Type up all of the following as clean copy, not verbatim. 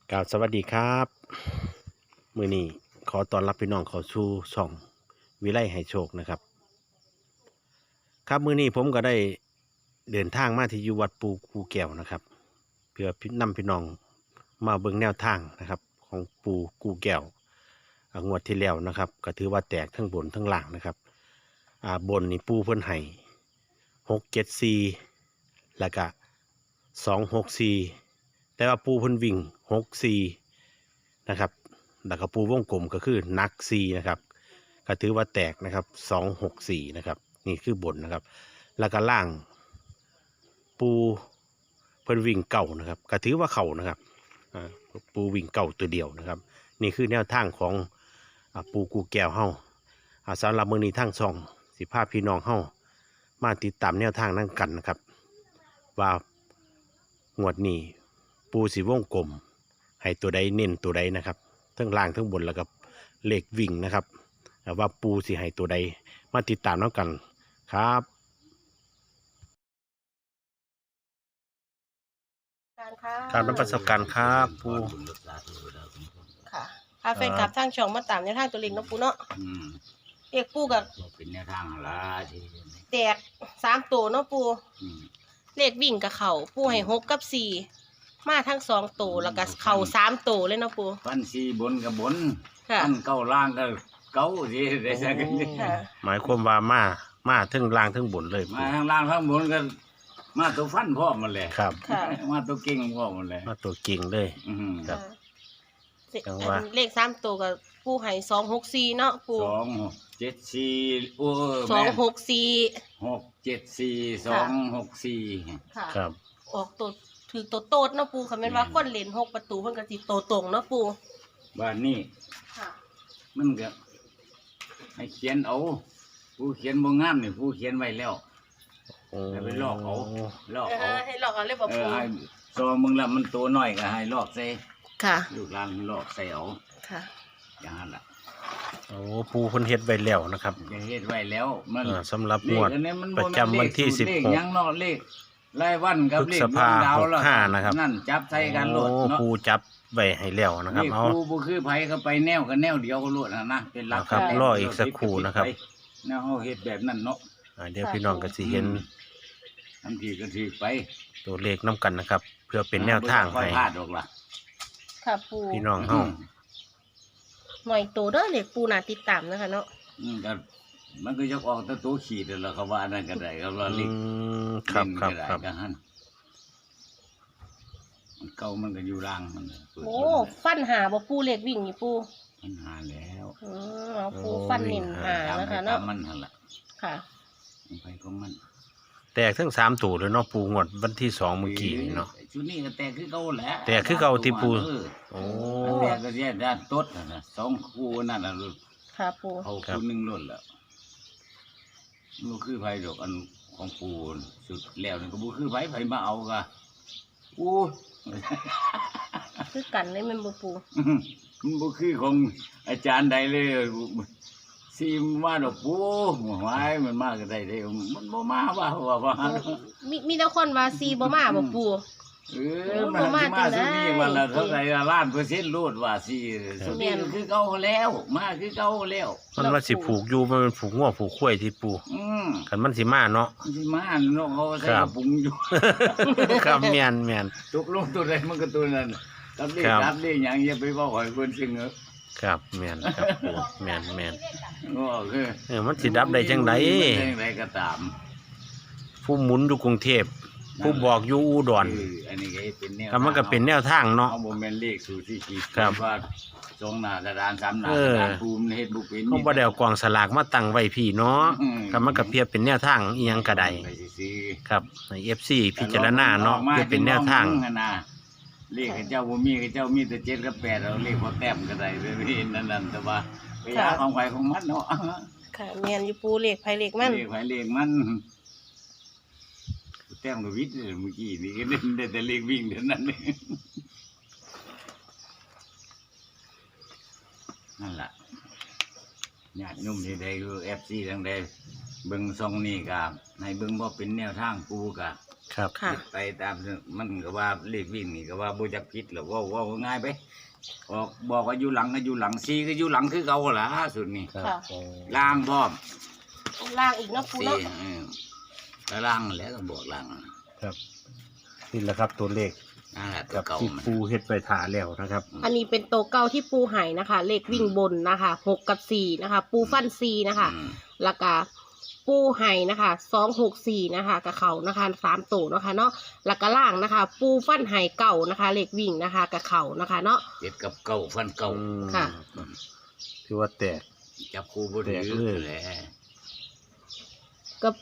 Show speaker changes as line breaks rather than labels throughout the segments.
กล่าวสวัสดีครับมื้อนี้ขอต้อนรับพี่น้องเข้าสู่ช่องวิไลให้โชคนะครับครับมื้อนี้ผมก็ได้เดินทางมาที่อยู่วัดปูกูแก้วนะครับเพื่อนำพี่น้องมาเบิ่งแนวทางนะครับของปูกูแก้วงวดที่แล้วนะครับก็ถือว่าแตกทั้งบนทั้งล่างนะครับบนนี่ปูเพิ่นให้674แล้วก็264แต่ว่าปูเพิ่นวิ่ง64นะครับแล้วก็ปูวงกลมก็คือนัก4นะครับก็ถือว่าแตกนะครับ264นะครับนี่คือบนนะครับแล้วก็ล่างปูเพิ่นวิ่งเก่านะครับก็ถือว่าเข่านะครับปูวิ่งเก่าตัวเดียวนะครับนี่คือแนวทางของปูกูแก้วเฮาสำหรับมื้อนี้ทางช่องสิพาพี่น้องเฮามาติดตามแนวทางนั่งกันนะครับว่างวดนี้ปูสีวงกลมให้ตัวใดเน้นตัวใดนะครับทั้งล่างทั้งบนแล้วก็เลขวิ่งนะครับว่าปูสีให้ตัวใดมาติดตามแล้วกันครับการรับประสบการณ์ครับปู
ค่ะพาแฟนกลับทางช่องมาตามในทางตัวเล็กเนาะปูเนาะเรียกปูกับ
เป็นแนวทางละที่
แตก3ตัวเนาะปูเลขวิ่งกับเข่าปูให้6กับ4มาทั้ง2ตัวแล้วก็เข่า3ตัวเลยเนาะปู
ฟันสีบนกับบน
ค่ะ
ฟันเก้าล่างก็เก้าสิได้สักนิด
หมายความว่ามาทั้งล่างทั้งบนเลย
มาทางล่างข้างบนก็มาตัวฟันพ่อมันเลย
ครับ
มาตัวเก่งพ่อมันเลย
มาตัวเก่งเลย
ครับเลข3ตัวกับปูให้264เนาะปู
274โอ้
264
674 264
ครับ
ออกตัวถือตัวโตดเนาะปูค่ะแม่นว่าคนเล่น6ประตูเพิ่นก็สิโตตรงเนาะปู
บ้านนี้
ค่ะ
มันก็ให้เขียนเอาผู้เขียนบ่งามนี่ผู้เขียนไว้แล้วให้ไปลอกเอา
ให้ลอกเอาเลยบ่ปู
ให้ซอมึงละมันตัวน้อยก็ให้ลอกใส่
ค่ะ
ลูกหลานลอกใส่เอา
ค่ะ
อย่างนั้นล่ะ
โอ้ปูเพิ่นเฮ็ดไว้แล้วนะครับ
เฮ็ดไว้แล้วมัน
สำหรับงวดประจำวันที่16
ยังเนาะเลขรายวันกับเลขดาวแล้ว
นะครับ
นั่นจับใส่กันโลดเนาะ
ปูจับไว้ให้แล้วนะครับ
เอาปูบ่คือไผก็ไปแนวกันแนวเดียวก็โลดนะเป็นหลัก
ครับรออีกสักครู่นะครับ
แนวเฮาเฮ็ดแบบนั้นเนาะ
เดี๋ยวพี่น้องก็สิเห็น
ทันทีก็ถือไป
ตัวเลขนำกันนะครับเพื่อเป็นแนวทางให้
ค่ะปู
พี่น้องเฮา
หน่อยโตเด้อเลขปูน่าติดตามนะคะเนาะ
ก็มันก็จะออกตัวขีดแล้วเขาว่านั่นก็ได้ก็ว่าลิง
ครับ
มันเก่ามันก็อยู่ล่างมัน
โอ้ฟันหาบ่ปูเลขวิ่งนี่ปู
ฟันหาแล้ว
ปูฟันเน้นหานะคะเนาะ
มันหั่นล่ะ
ค่ะ
ไปของมัน
แตกทั้ง3ตัวเลยเนาะปูงวดวันที่2เมื่อกี้นี่เนาะ
ชุดนี้ก็แตกคือเก่าแหละ
แตกคือเก่าที่ปู
โอ้แตกก็แย่ด้านต้นน่ะ2คู่นั่นน่ะ
ค่ะปู
เขาคู่นึงล้นแล้วบ่คือไผดอกอันของปูสุดแล้วนี่ก็บ่คือไผมาเอาก็อู้
คือกันเลยมันบ่ปู
มันบ่คือของอาจารย์ใดเลยซีมาดอกปูหวายมันมาก็ได้เด้มันบ่มาว่า
มีแต่คนว่าซีบ่มาบ่ปู
มันมาซุนี่วันละเท่าไหร่ล้าน%โลดว่าซีซุนี่คือเก่าแล้วมาคือเก่าแล้ว
มันว่าสิผูกอยู่มันผูกงัวผูกข้วยที่ปูคันมันสิมาเนาะ
สิมาเนาะเขาใส่ปุงอยู่
ครับแม่น
ตกลงตัวใดมันก็ตัวนั้นรับเลขหยังอย่าไปเว้าให้เพิ่นซิงเด้อ
ครับแม่นครับปูแม่นมันสิดับได้จังได๋
ก็ตาม
ผู้หมุนอยู่กรุงเทพผู้บอกอยู่อุดร
อันนี้ก็เป็นแนว
มันก็เป็นแนวทางเนาะ
เอาบ่แม่นเลขสู่ที่ขีดว่า2หน้ากระดาน3หน้ากระดานภูมิเฮ็ดบ่เป็น
เขาบ่ได้เอากองสลากมาตั้งไว้พี่เนาะก็มันก็เพียบเป็นแนวทางอีหยังก็ได้ครับใน FC พิจารณาเนาะเพื่อเป็นแนวทาง
เลขเจ้าบ่มีเจ้ามีแต่7กับ8เอาเลขบ่แต้มก็ได้นั่นแต่ว่าไปหาของไผของมันเนาะ
ค่ะแม่นอยู่ปูเลขไผเลขมัน
เลขมันแต้มกับวิทย์เมื่อกี้นี่ก็ได้แต่เลขวิ่งเท่านั้นเองนั่นแหละญาติโยมที่ใดคือ FC ทั้งใดเบิ่งซองนี่ก็ให้เบิ่งบ่เป็นแนวทางปูก็
ครับ
ค่ะ
ไปตามมันก็ว่าเลขวิ่งนี่ก็ว่าบ่จักผิดหรอกว่าง่ายไปบอกว่าอยู่หลังก็อยู่หลังซีก็อยู่หลังคือเก่าล่ะสุดนี่
ครับ
ค่ะ
โอ้
ล่างพร้อม
ล่างอีกเนาะปู
ซี
เนาะ
แล้วล่างแล้วก็บอกล่าง
ครับนี่แหละครับตัวเลข
นั่นแหละตั
กั
ว
บ
เก่า
ที่
มัน
ปูเฮ็ดไปถาแล้วนะครับ
อันนี้เป็นโตวเก้าที่ปูไห่นะคะ เลขวิ่งบนนะคะ6 กับ 4นะคะ ปูฟัน4นะคะ
อืม
แล้วก็ปูไห่นะคะ264นะคะกับเขานะคะ3ตัวนะคะเนาะแล้วก็ล่างนะคะ ปูฟันไห่เก่านะคะ เลขวิ่งนะคะกับเขานะคะเนาะ
เจ็ดกับเก่าฟันเก่า
อืม
ค่ะ
ถือว่าแตก
จับคู่บ่ถื
แตก
อ
เลย
แหละ
กับ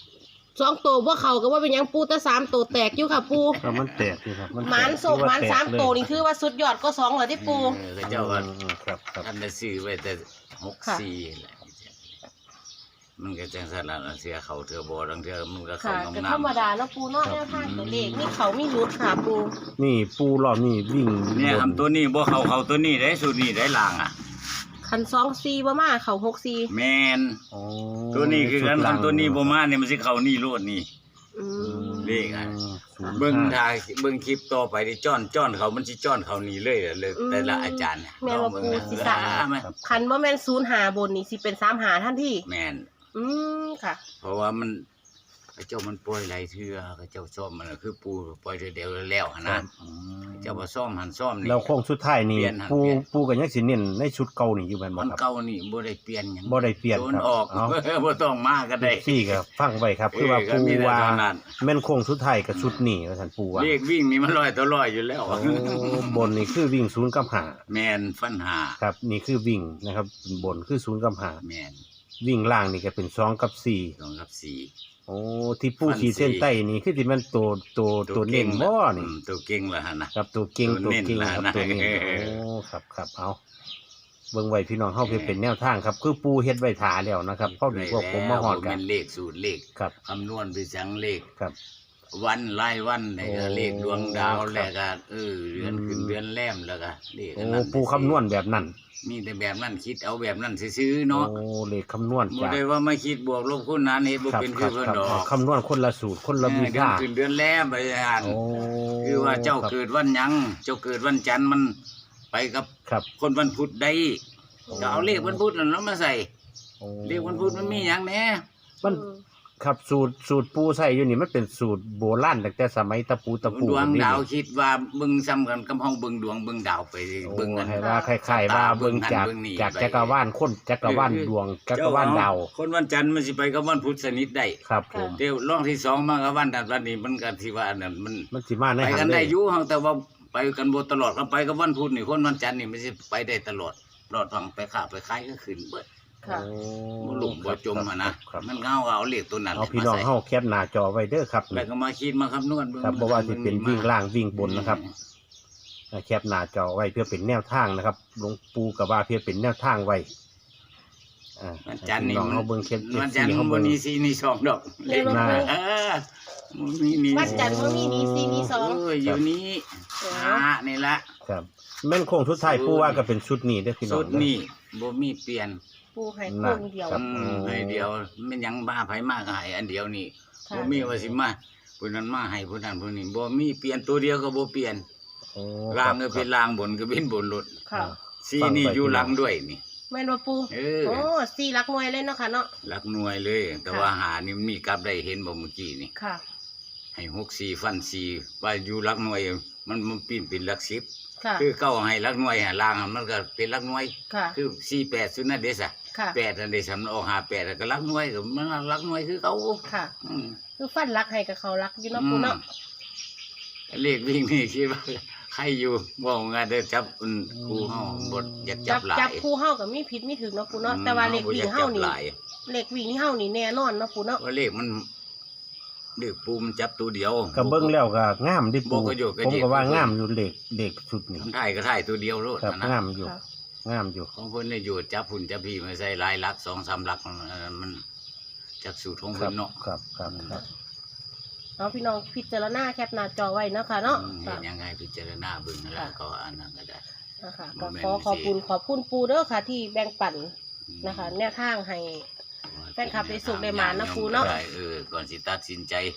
2ตัวพวกเขาก็ว่าเป็นหยังปูแต่3ตัวแตกอยู่ค่ะปู
ครับมันแตกนี่ครับแตก
หมานโศกหมาน
ถือว่แตก
3ตัวนี่คือว่าสุดยอดก็2เหรอที่ปู
ก็เจ้าก็
ครับครับ
ท่านได้ซื้อไว้แต่
ค่ะ
64แหละมันก็จังซั่นล่ะเสียเขาเทื่อบ่ดังเทื่อมันก็เข้า
ค่ะ
น้อง
ก็
น้ำ
ธรรมดาเนาะปูเนาะแนวทางตัวเลขนี่เขามีรุดค่ะปู
นี่ปูรอบนี่วิ่ง
เนี่ย
บ
ทำตัวนี้บ่เข้าตัวนี้ได้สูตรนี้ได้ล่างอ่ะ
คัน2-4บ่มาเขา6-4
แม่น
อ๋อ
ตัวนี้คือกัน
ชุดหลัง
ทำตัวนี้บ่มาเนี่ยมันสิเข้านี่โลดนี่
อืม
เลขอะ
ศูนย์
เบิ่ง
ห้า
ทายเบิ่งคลิปต่อไปที่จ้อนเขามันสิจ้อนเขานี่เลยเลยแต่ละอาจารย์
แม่นว่าปูสิสะ
มา
คันบ่แม่น0-5บนนี่สิเป็น3-5ทันที
แม่น
อืมค่ะ
เพราะว่ามันพระเจ้ามันปล่อยหลายเทื่อพระเจ้าซ่อมมันน่ะคือปูปล่อยเทื่อเดียวแล้วหั่นนะพระเจ้าบ่ซ่อมหันซ่อมนี่
แล้วโค้งสุดท้ายนี่
เปลี่ยนครับ
ปู
เปลี่ยน
ปูกันยังสิเน้นในชุดเก่านี่อยู่แม่นบ่
มัน
ครับ
เก่านี่บ่ได้เปลี่ยนหยัง
บ่ได้เปลี่ยน
โด
คน รับ
ออก
เอา
บ่ต้องมาก็ได้
ซี่ก็ฟังไว้ครับคือว่า
ก็
ปู
มีแต่
ว่า
เท่นั้น
แม่นโค้งสุดท้ายกับชุดนี้ว่าซั่นปูว่า
เลขวิ่งนี่มัน100ต่อ100อยู่แล้ว
โอ้บนนี่คือวิ่ง0กับ
แม่นฟันหา
5ครับนี่คือวิ่งนะครับบนคือ0กับ
แม่น
5วิ่งล่างนี่ก็เป็น2กับ4
2กับ4
โอ้ที่ปู
ฟัน
ขีดเส้น
สี่
ใต้นี่คือที่มันตัวเน้นบ่นี่
ตัวเก่งล่ะหั่นน่ะ
ครับตัวเก่ง
ตั
ตัว
วเน้น
เก่งครับ
นะ
ตัวเน้น
เออ
โอ้ครับเอาเบิ่งไว้พี่น้องเฮาเพื่อเป็นแนวทางครับ คือปูเฮ็ดไว้ถาแล้วนะครับพอดีพวกผมมาฮอด
กั
กัน
นเลขสูตรเลข
ครับ
คำนวณไปจังเลข
ครับ
วันรายวันแล้วก็
โอ้
เลขดวงดาว
ครับ
แล้วก็เดือนขึ้น
อืม
เดือนแรมแล้วก็เลข
โอ้
อันนั้น
ปูคำนวณแบบนั้น
มีแต่แบบนั้นคิดเอาแบบนั้นซื้อๆเนาะ
โอ้เลขคำนวณ
บ่
จาก
ได้ว่ามาคิดบวกลบคูณหารเฮ็ดบ่
ครับ
เป็น
ค
คื
รั
อบ เพิ่น
ครับ
ดอก
คำนวณคนละสูตรคนละวิ
เดือน
ชา
ขึ้นเดือนแรมไปอ่าน
โอ้
คือว่าเจ้า
ครับ
เกิดวันหยังเจ้าเกิดวันจันทร์มันไปกับ
ครับ
คนวันพุธได้
โอ้
ก็เอาเลขวันพุธนั่นแล้วมาใส่
โอ้
เลขวันพุธมันมีหยังแหน่
มันครับสูตรปูใส่อยู่นี่มันเป็นสูตรโบราณตั้งแต่สมัยตะปู
ดวง
นี่
ดาวคิดว่าเบิ่งซ้ำกันกับห้องเบิ่งดวงเบิ่งดาวไป
โอ้
เบิ่งกัน
ให้ว่าคล้ายๆว่าเบิ่งจาก
เบิ่งนี่
จาก
ไป
จักรวาลคนจักรวาลดวงจักรวาลดาว
คนวันจันทร์มันสิไปกับวันพุธสนิทได้
ครับผม
เดี๋ยวรองที่สองมากับวันนั้นวันนี้มันก็ที่ว่าอันนั้นมัน
มันสิมาใน
ไป
หั
กัน
นเล
ได้
ย
อยู่เฮาแต่ว่าไปกันบ่ตลอดก็ไปกับวันพุธนี่คนวันจันทร์นี่มันสิไปได้ตลอดรอดฟังไปค้าไปขายก็ขึ้นเบิด
ค่ะ
บ่หลุมบ่จมอะนะครับ มันเงาเอาเลขตัวนั้น
เอาพี่น้อง
มาใส่
เฮาแคปหน้าจอไว้เด้อครับ
แล้วก็มาคิดมาคำนวณเบิ่ง
ครับบ่ว่าสิเป็นวิ่งล่างวิ่งบน
อืม
นะครับแคปหน้าจอไว้เพื่อเป็นแนวทางนะครับหลวงปู่ก็ว่าเพื่อเป็นแนวทางไว้อ่า
วันจันทร์นี่
พี่น้องเฮาเบิ่งแคป
วันจันทร์
เฮา
มัน
เบิ่ง
มี4มี2ดอก
เรียกว่า
น่า
ปู
เออมันมีนี่
วันจันทร์บ่มีนี่4มี2
อยู่นี้
เออ
นี่ละ
ครับแม่นโค้งสุดท้ายปู่ว่าก็เป็นชุดนี้เด้อพี่น้อง
สุดนี่บ่มีเปลี่ยน
ปูให้โค้งเดียว
ครับ
ให้เดียวมันยังบ้าไผมากให้อันเดียวนี่
ค่ะ
บ่มีว่าสิมาผู้นั้นมาให้ผู้นั้นผู้นี้บ่มีเปลี่ยนตัวเดียวก็บ่เปลี่ยน
โอ้
ล่างก็
ครับ
เป็นล่างบนก็เป็นบนรถ
ค่ะ
ซีนี่อยู่หลังด้วยนี่
แม่นว่าปู
เออ
โอ้4หลักหน่วยเลยเนาะค่ะเนาะ
หลักหน่วยเลย แต่
ค่ะ
ว่าหานี่มันมีกลับได้เห็นบ่เมื่อกี้นี่
ค่ะ
ให้6 4ฟัน4ว่าอยู่หลักหน่วย มันปีนเป็นหลัก10
ค่ะ
คือเก้าให้หลักหน่วยหาล่างมันก็เป็นหลักหน่วย
ค่ะ
คือ48ซุนั่นเด้ซะ
ค่ะ
8นั่นเด้ซะมันออก58แล้วก็หลักหน่วยก็มันหลักหน่วยคือเขา
ค่ะ
อืม
คือฟันรักให้กับเขารักอยู่เนาะปูเนาะ
เลขวิ่งนี่คิดว่าใครอยู่บอกงานเด้อจับครูเฮาบ่อยากจับหลาย
จับคู่เฮากับมีผิดมีถึงเนาะปูเนาะแต่ว่าเลขวิ่งเฮานี่
บ่อยกจับหลาย
เลขวิ่งนี่เฮานี่แน่นอนเนาะปูเนาะ
ว่าเลขมันเลขปูมันจับตัวเดียว
ก็เบิ่งแล้วก็งามดิ
บ่
ปู่
ก็อยู่ก็
ผม
เย็น
ก็ว่างามอยู่เลขชุดนี้
ทำถ่ายก็ถ่ายตัวเดียวโลด
ครับ
นะ
งามอยู่
ค่ะ
งามอยู่
ของเพิ่นได้อยู่จับหุ่นจับพี่มาใส่หลายหลัก2-3หลักมันจักสูตรของ
ครั
เพิ่
บ
นเนาะ
ครับครับครับ
เอาพี่น้องพิจารณาแคปหน้าจอไว้เนาะค่ะเนาะ
เห็นยังไงพิจารณาเบิ่งแล้วก็อันนั้นก็ได้
นะคะ
บ่
ก็
แม่น
ขอบคุณปูเด้อค่ะ ที่แบ่งปันนะคะ แนวทางให้ แฟนคลับได้สุขได้หมานนะครูเนาะ
ได้ก่อนสิตัดสินใจ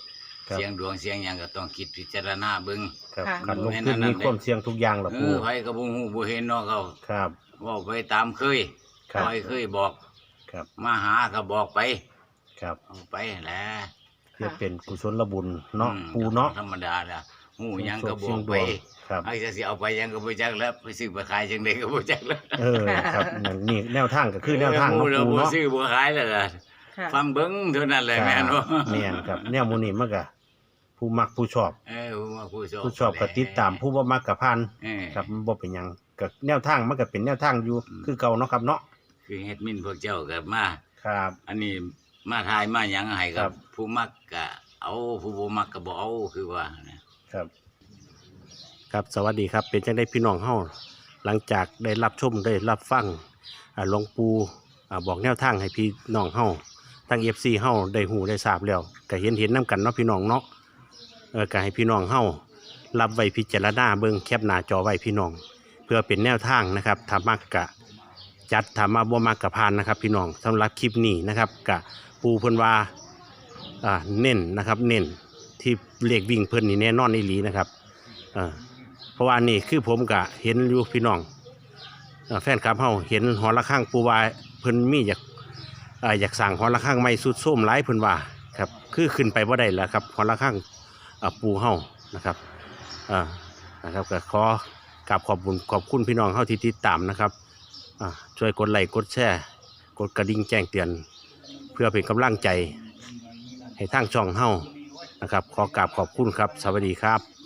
ครับ
เสียงดวงเสียงหยังก็ต้องคิดพิจารณาเบิ่ง
ครับ
ค่ะ
ขันลงขึ้นมีความเสี่ยงทุกอย่างล่ะปู
ไผก็บ่ฮู้บ่เห็นเนาะเขา
ครับ
เว้าไปตามเคย
ครับ
คอยเคยบอก
ครับ
มาหาก็บอกไป
ครับ
เอาไปแหละ
เพื่อเป็นกุศลบุญเนาะ
อืม
ปูเนาะ
ธรรมดาล่ะฮู้หยังก็บอกไป
ครับ
ไอ้จะสิเอาไปหยังก็บ่จักแล้วไปซื้อไปขายจังได๋ก็บ่จักแล้ว
เออครับนั่นนี่แนวทางก็คือแนวทาง
ฮู้
เนาะ
แล้ว
ปู
บ่
เนาะ
ซื้อบ่ขายแล้วล่ะ
ค่ะ
ฟังเบิ่งเท่านั้นแหละแม่นบ่
แม่นครับแนวหมูนี่มันก็ผู้มักผู้ชอบ
ผู้ชอบ
ก็ติดตามผู้บ่มักก็ผ่าน
เออ
ครับมันบ่เป็นหยังก็แนวทางมันก็เป็นแนวทางอยู่คือเก่าเนาะครับเนาะ
คือเฮ็ดมินพวกเจ้าก็มา
ครับ
อันนี้มาทายมาหยังให้
ครั
กับ ผู้มักก็เอาผู้บ่มักก็บ่เอาคือว่านะครับ
ครับสวัสดีครับเป็นจังได้พี่น้องเฮาหลังจากได้รับชมได้รับฟังหลวงปู่บอกแนวทางให้พี่น้องเฮาทั้ง FC เฮาได้หูได้ทราบแล้วก็เห็นนํกันเนาะพี่น้องเนาะก็ให้พี่น้องเฮารับไว้พิจารณาเบิ่งแคปหน้าจอไว้พี่น้อง เพื่อเป็นแนวทางนะครับถ้ามักกะจัดถ้ามาบ่มักกะพานนะครับ พี่น้องสำหรับคลิปนี้นะครับกะปูเพิ่นว่าเน้นนะครับเน้นที่เลขวิ่งเพิ่นนี่แน่นอนอีหลีนะครับเพราะว่านี่คือผมกะเห็นอยู่พี่น้องแฟนคลับเฮาเห็นหอระฆังปูว่าเพิ่นมีอยากสั่งหอระฆังใหม่สุดโทรมหลายเพิ่นว่าครับคือขึ้นไปบ่ได้แล้วครับหอระฆังปูเฮานะครับนะครับก็ขอกราบขอบคุณพี่น้องเฮาที่ติดตามนะครับช่วยกดไลค์กดแชร์กดกระดิ่งแจ้งเตือนเพื่อเป็นกำลังใจให้ทางช่องเฮานะครับขอกราบขอบคุณครับสวัสดีครับ